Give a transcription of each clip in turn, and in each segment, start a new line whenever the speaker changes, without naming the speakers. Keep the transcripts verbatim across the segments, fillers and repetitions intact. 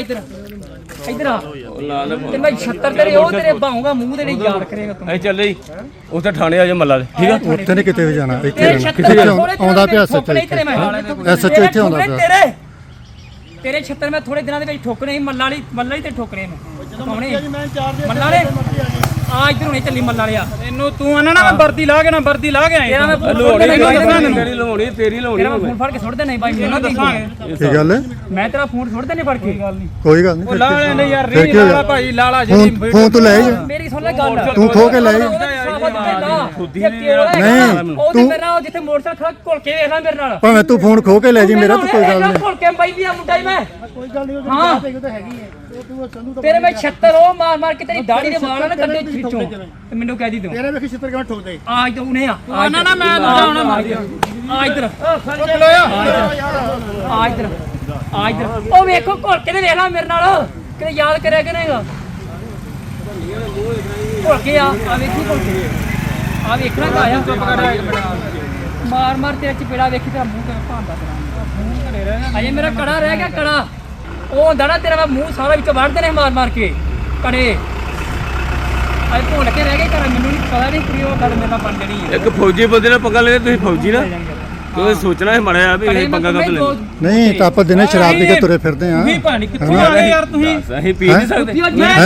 इधर इधर आ ते मैं छत्तर तेरे ओ तेरे बाहूंगा मुंह तेरे याद करेगा तू।
ए चल रही उसे थाने आ जा मल्ला ठीक है।
ਉੱਥੇ ਨਹੀਂ ਕਿਤੇ ਵੀ ਜਾਣਾ, ਇੱਥੇ ਰਹਿਣਾ। ਕਿੱਥੇ ਆਉਂਦਾ ਪਿਆ ਸੱਚ ਐਸਐਚਓ ਇੱਥੇ ਆਉਂਦਾ ਪਿਆ।
ਤੇਰੇ ਤੇਰੇ ਛੱਤਰ ਮੈਂ ਥੋੜੇ ਦਿਨਾਂ ਦੇ ਵਿੱਚ ਠੋਕਣੇ ਸੀ ਮੱਲਾ ਵਾਲੀ ਮੱਲਾ ਹੀ ਤੇ ਠੋਕਣੇ ਨੇ ਕੌਣੇ ਮੱਲਾ ਵਾਲੇ ਆ ਇਧਰ ਹੁਣੇ ਚੱਲੀ ਮੱਲਾ ਵਾਲਿਆ ਤੈਨੂੰ ਤੂੰ ਆਣਾ ਨਾ ਮੈਂ ਵਰਦੀ ਲਾ ਕੇ ਨਾ ਵਰਦੀ ਲਾ ਕੇ ਆਇਆ
ਲੋੜੀ ਤੇਰੀ ਲਵਾਉਣੀ ਤੇਰੀ ਲਵਾਉਣੀ
ਤੇਰਾ ਫੋਨ ਫੜ ਕੇ ਸੁੱਟ ਦੇ ਨਹੀਂ ਬਾਈ ਮੈਨੂੰ ਦੱਸਾਂਗੇ
ਕੀ ਗੱਲ ਹੈ?
ਮੈਂ ਤੇਰਾ ਫੋਨ ਸੁੱਟ ਦੇ ਨਹੀਂ ਫੜ ਕੇ
ਕੋਈ ਗੱਲ ਨਹੀਂ।
ਲਾ ਲੈ ਯਾਰ ਰੀ ਲਾਲਾ ਭਾਈ ਲਾਲਾ ਜੀ
ਫੋਨ ਤੂੰ ਲੈ ਜਾ,
ਮੇਰੀ ਸੁਣ ਲੈ ਗੱਲ
ਤੂੰ ਖੋ ਕੇ ਲੈ ਜਾ।
ਨਹੀਂ ਤੂੰ ਮੇਰੇ ਨਾਲ ਜਿੱਥੇ ਮੋਟਰਸਾਈਕਲ ਖੜਾ ਘੁਲ ਕੇ ਵੇਖ ਲੈ ਮੇਰੇ ਨਾਲ
ਭਾਵੇਂ ਤੂੰ ਫੋਨ ਖੋ ਕੇ ਲੈ ਜੀ ਮੇਰਾ, ਤਾਂ ਕੋਈ ਗੱਲ ਨਹੀਂ।
ਘੁਲ ਕੇ ਬਾਈ ਵੀ ਆ ਮੁੰਡਾ ਹੀ ਮੈਂ ਕੋਈ ਗੱਲ ਨਹੀਂ ਹਾਂ ਤੇਰੇ ਮੈਂ ਛੱਤਰ ਉਹ ਮਾਰ ਮਾਰ ਕੇ ਤੇਰੀ ਦਾੜੀ ਦੇ ਵਾਲਾਂ ਨਾ ਕੱਢੇ ਖਿੱਚੋ ਤੇ ਮੈਨੂੰ ਕਹਿ ਦੀ ਤੂੰ
ਤੇਰੇ ਵੇਖੀ ਛਿੱਤਰ ਕਿਵੇਂ ਠੋਕਦੇ
ਆ ਇਧਰ ਉਹਨੇ ਆ ਨਾ ਨਾ ਮੈਂ ਦੂਜਾ ਮਾਰ ਆ ਇਧਰ ਆ ਇਧਰ ਆ ਇਧਰ ਉਹ ਵੇਖੋ ਘੁਲ ਕੇ ਤੇ ਵੇਖ ਲੈ ਮੇਰੇ ਨਾਲ ਕਿਤੇ ਯਾਦ ਕਰਿਆ ਕਿ ਨਹੀਂਗਾ ਘੁਲ ਕੇ ਆ ਆ ਵੇਖੀ ਘੁਲ ਕੇ ਆ ਵੇਖਣਾ ਕਾ ਆਇਆ ਮਾਰ ਮਾਰ ਤੇਰਾ ਚਪੇੜਾ ਵੇਖੀ ਤੇਰਾ ਮੂੰਹ ਤੇ ਭਾਂਦਾ ਤੇਰਾ ਮੂੰਹ ਘੜੇ ਰਹਿ ਅਜੇ ਮੇਰਾ ਕੜਾ ਰਹਿ ਗਿਆ ਕੜਾ ਉਹ ਹੁੰਦਾ ਨਾ ਤੇਰਾ ਮੂੰਹ ਸਾਰਾ ਵਿੱਚ ਵੜਦੇ ਨੇ ਮਾਰ ਮਾਰ ਕੇ ਕੜੇ ਅਜੇ ਭੁੱਲ ਕੇ ਰਹਿ ਗਏ ਘਰ ਮੈਨੂੰ ਨਹੀਂ ਪਤਾ ਨਹੀਂ ਕਿ ਉਹ ਗੱਲ ਮੇਰੇ ਨਾਲ ਬਣ ਜਣੀ ਹੈ।
ਇੱਕ ਫੌਜੀ ਬੰਦੇ ਨਾਲ ਪੰਗਾ ਲੈ ਤੁਸੀਂ ਫੌਜੀ ਨਾ ਤੁਸੀਂ ਸੋਚਣਾ ਹੈ ਮੜਿਆ ਵੀ ਇਹ ਪੰਗਾ ਕਦ ਲੈ
ਨਹੀਂ ਤਾਂ ਆਪਾਂ ਦਿਨੇ ਸ਼ਰਾਬ ਪੀ ਕੇ ਤੁਰੇ ਫਿਰਦੇ ਆਂ।
ਵੀ ਪਾਣੀ ਕਿੱਥੋਂ ਆ ਗਏ ਯਾਰ ਤੁਸੀਂ
ਅਸੀਂ ਪੀ ਨਹੀਂ ਸਕਦੇ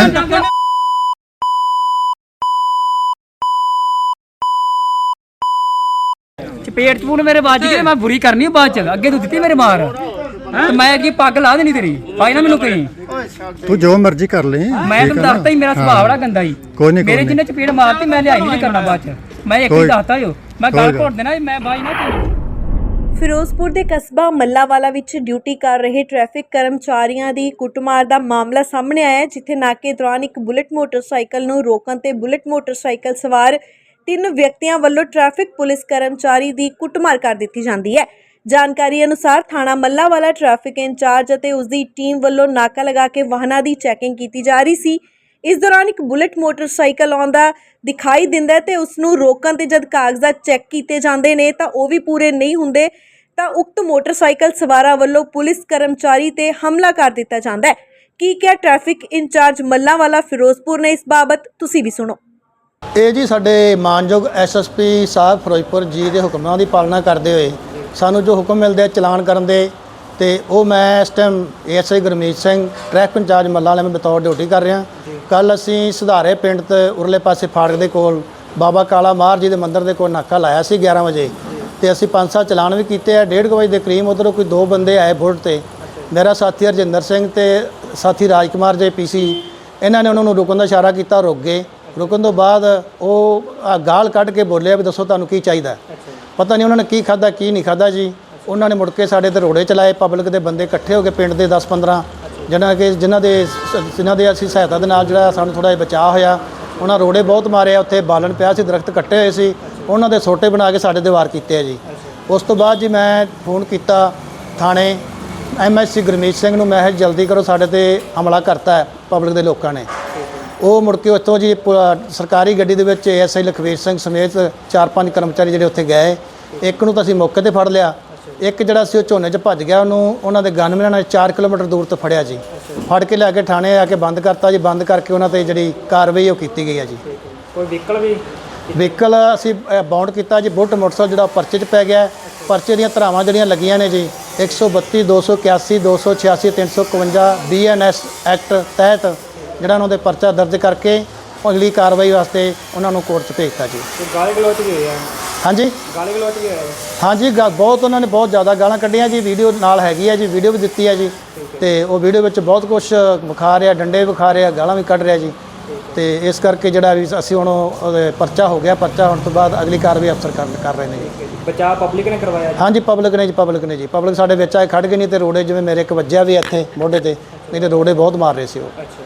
ਚਪੇਟ ਚਪੂਨ ਮੇਰੇ ਵੱਜ ਗਏ ਮੈਂ ਬੁਰੀ ਕਰਨੀ ਬਾਅਦ ਚ ਅੱਗੇ ਤੂੰ ਦਿੱਤੀ ਮੇਰੇ ਮਾਰ ਤੇ ਮੈਂ ਅੱਗੇ ਪੱਗ ਲਾ ਦੇਣੀ ਤੇਰੀ ਭਾਈ ਨਾ ਮੈਨੂੰ ਕਹੀਂ
ਤੂੰ ਜੋ ਮਰਜ਼ੀ ਕਰ ਲੈ।
ਮੈਂ ਤੈਨੂੰ ਦੱਸਤਾ ਹੀ ਮੇਰਾ ਸੁਭਾਅ ਬੜਾ ਗੰਦਾ ਹੀ
ਕੋਈ ਨਹੀਂ
ਮੇਰੇ ਜਿੰਨੇ ਚਪੇੜ ਮਾਰਤੀ ਮੈਂ ਲਿਆਈ ਨਹੀਂ ਕਰਨਾ ਬਾਅਦ ਚ ਮੈਂ ਇੱਕ ਹੀ ਦੱਸਤਾ ਜੋ ਮੈਂ ਗੱਲ ਘੋਟ ਦੇਣਾ ਮੈਂ ਬਾਈ ਨਾ ਤੈਨੂੰ।
ਫਿਰੋਜ਼ਪੁਰ ਦੇ ਕਸਬਾ ਮੱਲਾਵਾਲਾ ਵਿੱਚ ਡਿਊਟੀ ਕਰ ਰਹੇ ਟ੍ਰੈਫਿਕ ਕਰਮਚਾਰੀਆਂ ਦੀ ਕੁੱਟਮਾਰ ਦਾ ਮਾਮਲਾ ਸਾਹਮਣੇ ਆਇਆ ਹੈ, ਜਿੱਥੇ ਨਾਕੇ ਦੌਰਾਨ ਇੱਕ ਬੁਲਟ ਮੋਟਰਸਾਈਕਲ ਨੂੰ ਰੋਕਣ ਤੇ ਬੁਲਟ ਮੋਟਰਸਾਈਕਲ ਸਵਾਰ ਤਿੰਨ ਵਿਅਕਤੀਆਂ ਵੱਲੋਂ ਟ੍ਰੈਫਿਕ ਪੁਲਿਸ ਕਰਮਚਾਰੀ ਦੀ ਕੁੱਟਮਾਰ ਕਰ ਦਿੱਤੀ ਜਾਂਦੀ ਹੈ। ਜਾਣਕਾਰੀ ਅਨੁਸਾਰ ਥਾਣਾ ਮੱਲਾਵਾਲਾ ਟ੍ਰੈਫਿਕ ਇੰਚਾਰਜ ਅਤੇ ਉਸ ਦੀ ਟੀਮ ਵੱਲੋਂ ਨਾਕਾ ਲਗਾ ਕੇ ਵਾਹਨਾਂ ਦੀ ਚੈਕਿੰਗ ਕੀਤੀ ਜਾ ਰਹੀ ਸੀ। ਇਸ ਦੌਰਾਨ ਇੱਕ ਬੁਲਟ ਮੋਟਰਸਾਈਕਲ ਆਉਂਦਾ ਦਿਖਾਈ ਦਿੰਦਾ ਤੇ ਉਸ ਨੂੰ ਰੋਕਣ ਤੇ ਜਦ ਕਾਗਜ਼ਾਤ ਚੈੱਕ ਕੀਤੇ ਜਾਂਦੇ ਨੇ ਤਾਂ ਉਹ ਵੀ ਪੂਰੇ ਨਹੀਂ ਹੁੰਦੇ ਤਾਂ ਉਕਤ ਮੋਟਰਸਾਈਕਲ ਸਵਾਰਾਂ ਵੱਲੋਂ ਪੁਲਿਸ ਕਰਮਚਾਰੀ ਤੇ ਹਮਲਾ ਕਰ ਦਿੱਤਾ ਜਾਂਦਾ ਹੈ। ਕੀ ਕਿਹਾ ਟ੍ਰੈਫਿਕ ਇੰਚਾਰਜ ਮੱਲਾਵਾਲਾ ਫਿਰੋਜ਼ਪੁਰ ਨੇ ਇਸ ਬਾਬਤ ਤੁਸੀਂ ਵੀ ਸੁਣੋ।
ਇਹ ਜੀ ਸਾਡੇ ਮਾਨਯੋਗ ਐਸਐਸਪੀ ਸਾਹਿਬ ਫਿਰੋਜ਼ਪੁਰ ਜੀ ਦੇ ਹੁਕਮਾਂ ਦੀ ਪਾਲਣਾ ਕਰਦੇ ਹੋਏ ਸਾਨੂੰ ਜੋ ਹੁਕਮ ਮਿਲਦੇ ਚਲਾਨ ਕਰਨ ਦੇ ਤੇ ਉਹ ਮੈਂ ਇਸ time ASI Gurmeet Singh traffic incharge Malla ਵਾਲੇ ਮੈਂ ਬਤੌਰ ਡਿਊਟੀ ਕਰ ਰਿਹਾ। ਕੱਲ ਅਸੀਂ ਸੁਧਾਰੇ ਪਿੰਡ ਤੇ ਉਰਲੇ ਪਾਸੇ ਫਾੜਕ ਦੇ ਕੋਲ ਬਾਬਾ ਕਾਲਾ ਮਾਰ ਜੀ ਦੇ ਮੰਦਿਰ ਦੇ ਕੋਲ ਨਾਕਾ ਲਾਇਆ ਸੀ ਗਿਆਰਾਂ ਵਜੇ ਤੇ ਅਸੀਂ ਪੰਜ ਸੱਤ ਚਲਾਨ ਵੀ ਕੀਤੇ ਆ। ਡੇਢ ਕੁ ਵਜੇ ਦੇ ਕਰੀਬ ਉੱਧਰੋਂ ਕੋਈ ਦੋ ਬੰਦੇ ਆਏ ਬੁਲਟ ਤੇ, ਮੇਰਾ ਸਾਥੀ ਹਰਜਿੰਦਰ ਸਿੰਘ ਤੇ ਸਾਥੀ ਰਾਜਕੁਮਾਰ ਜੇ ਪੀਸੀ, ਇਹਨਾਂ ਨੇ ਉਹਨਾਂ ਨੂੰ ਰੁਕਣ ਦਾ ਇਸ਼ਾਰਾ ਕੀਤਾ, ਰੁਕ ਗਏ। ਰੁਕਣ ਤੋਂ ਬਾਅਦ ਉਹ ਗਾਲ ਕੱਢ ਕੇ ਬੋਲਿਆ ਵੀ ਦੱਸੋ ਤੁਹਾਨੂੰ ਕੀ ਚਾਹੀਦਾ। ਪਤਾ ਨਹੀਂ ਉਹਨਾਂ ਨੇ ਕੀ ਖਾਧਾ ਕੀ ਨਹੀਂ ਖਾਧਾ ਜੀ। ਉਹਨਾਂ ਨੇ ਮੁੜ ਕੇ ਸਾਡੇ ਤੇ ਰੋੜੇ ਚਲਾਏ। ਪਬਲਿਕ ਦੇ ਬੰਦੇ ਇਕੱਠੇ ਹੋ ਕੇ ਪਿੰਡ ਦੇ ਦਸ ਪੰਦਰਾਂ ਜਿਹਨਾਂ ਕਿ ਜਿਨ੍ਹਾਂ ਦੇ ਜਿਨ੍ਹਾਂ ਦੇ ਅਸੀਂ ਸਹਾਇਤਾ ਦੇ ਨਾਲ ਜਿਹੜਾ ਸਾਨੂੰ ਥੋੜ੍ਹਾ ਜਿਹਾ ਬਚਾਅ ਹੋਇਆ। ਉਹਨਾਂ ਰੋੜੇ ਬਹੁਤ ਮਾਰੇ। ਉੱਥੇ ਬਾਲਣ ਪਿਆ ਸੀ, ਦਰਖਤ ਕੱਟੇ ਹੋਏ ਸੀ, ਉਹਨਾਂ ਦੇ ਸੋਟੇ ਬਣਾ ਕੇ ਸਾਡੇ 'ਤੇ ਵਾਰ ਕੀਤੇ ਆ ਜੀ। ਉਸ ਤੋਂ ਬਾਅਦ ਜੀ ਮੈਂ ਫੋਨ ਕੀਤਾ ਥਾਣੇ ਐਮਐਸਸੀ ਗੁਰਮੀਤ ਸਿੰਘ ਨੂੰ, ਮੈਂ ਜਲਦੀ ਕਰੋ ਸਾਡੇ 'ਤੇ ਹਮਲਾ ਕਰਤਾ ਹੈ ਪਬਲਿਕ ਦੇ ਲੋਕਾਂ ਨੇ। ਉਹ ਮੁੜ ਕੇ ਉੱਥੋਂ ਜੀ ਸਰਕਾਰੀ ਗੱਡੀ ਦੇ ਵਿੱਚ ਐਸਆਈ ਲਖਵੀਰ ਸਿੰਘ ਸਮੇਤ ਚਾਰ ਪੰਜ ਕਰਮਚਾਰੀ ਜਿਹੜੇ ਉੱਥੇ ਗਏ। ਇੱਕ ਨੂੰ ਤਾਂ ਅਸੀਂ ਮੌਕੇ 'ਤੇ ਫੜ ਲਿਆ, ਇੱਕ ਜਿਹੜਾ ਸੀ ਉਹ ਝੋਨੇ 'ਚ ਭੱਜ ਗਿਆ। ਉਹਨੂੰ ਉਹਨਾਂ ਦੇ ਗਨਮੈਨਾਂ ਨੇ ਚਾਰ ਕਿਲੋਮੀਟਰ ਦੂਰ ਤੋਂ ਫੜਿਆ ਜੀ। ਫੜ ਕੇ ਲਿਆ ਕੇ ਥਾਣੇ ਆ ਕੇ ਬੰਦ ਕਰਤਾ ਜੀ। ਬੰਦ ਕਰਕੇ ਉਹਨਾਂ 'ਤੇ ਜਿਹੜੀ ਕਾਰਵਾਈ ਉਹ ਕੀਤੀ ਗਈ ਹੈ ਜੀ।
ਕੋਈ ਵਹੀਕਲ ਵੀ
ਵਹੀਕਲ ਅਸੀਂ ਬਾਉਂਡ ਕੀਤਾ ਜੀ। ਬੁਲਟ ਮੋਟਰਸਾਈਕਲ ਜਿਹੜਾ ਪਰਚੇ 'ਚ ਪੈ ਗਿਆ। ਪਰਚੇ ਦੀਆਂ ਧਾਰਾਵਾਂ ਜਿਹੜੀਆਂ ਲੱਗੀਆਂ ਨੇ ਜੀ ਇੱਕ ਸੌ ਬੱਤੀ ਦੋ ਸੌ ਇਕਿਆਸੀ ਦੋ ਸੌ ਛਿਆਸੀ ਤਿੰਨ ਸੌ ਇਕਵੰਜਾ ਬੀ ਐਨ ਐਸ ਐਕਟ ਤਹਿਤ ਜਿਹੜਾ ਉਹਨਾਂ ਦੇ ਪਰਚਾ ਦਰਜ ਕਰਕੇ ਅਗਲੀ ਕਾਰਵਾਈ ਵਾਸਤੇ ਉਹਨਾਂ ਨੂੰ ਕੋਰਟ 'ਚ ਭੇਜਤਾ ਜੀ।
ਗਾਲੀ ਗਲੋਚ ਵੀ ਹੋਇਆ
ਹਾਂਜੀ
ਗਾਲੀ ਗਲੋਚ ਵੀ ਹੋਇਆ
ਹਾਂਜੀ ਗਾ ਬਹੁਤ ਉਹਨਾਂ ਨੇ ਬਹੁਤ ਜ਼ਿਆਦਾ ਗਾਲਾਂ ਕੱਢੀਆਂ ਜੀ। ਵੀਡੀਓ ਨਾਲ ਹੈਗੀ ਹੈ ਜੀ, ਵੀਡੀਓ ਵੀ ਦਿੱਤੀ ਹੈ ਜੀ। ਤੇ ਉਹ ਵੀਡੀਓ ਵਿੱਚ ਬਹੁਤ ਕੁਝ ਵਿਖਾ ਰਿਹਾ, ਡੰਡੇ ਵੀ ਵਿਖਾ ਰਿਹਾ, ਗਾਲਾਂ ਵੀ ਕੱਢ ਰਿਹਾ ਜੀ। ਤੇ ਇਸ ਕਰਕੇ ਜਿਹੜਾ ਵੀ ਅਸੀਂ ਹੁਣ ਉਹਦੇ ਪਰਚਾ ਹੋ ਗਿਆ। ਪਰਚਾ ਹੋਣ ਤੋਂ ਬਾਅਦ ਅਗਲੀ ਕਾਰਵਾਈ ਅਫਸਰ ਕਰ ਕਰ ਰਹੇ ਨੇ ਜੀ।
ਬਚਾਅ ਪਬਲਿਕ ਨੇ ਕਰਵਾਇਆ
ਹਾਂਜੀ ਪਬਲਿਕ ਨੇ ਜੀ ਪਬਲਿਕ ਨੇ ਜੀ ਪਬਲਿਕ ਸਾਡੇ ਵਿੱਚ ਆਏ ਖੜ ਗਏ। ਨਹੀਂ ਤੇ ਰੋੜੇ ਜਿਵੇਂ ਮੇਰੇ ਇੱਕ ਵੱਜਿਆ ਵੀ ਇੱਥੇ ਮੋਢੇ ਤੇ, ਨਹੀਂ ਤੇ ਰੋੜੇ ਬਹੁਤ ਮਾਰ ਰਹੇ ਸੀ ਉਹ।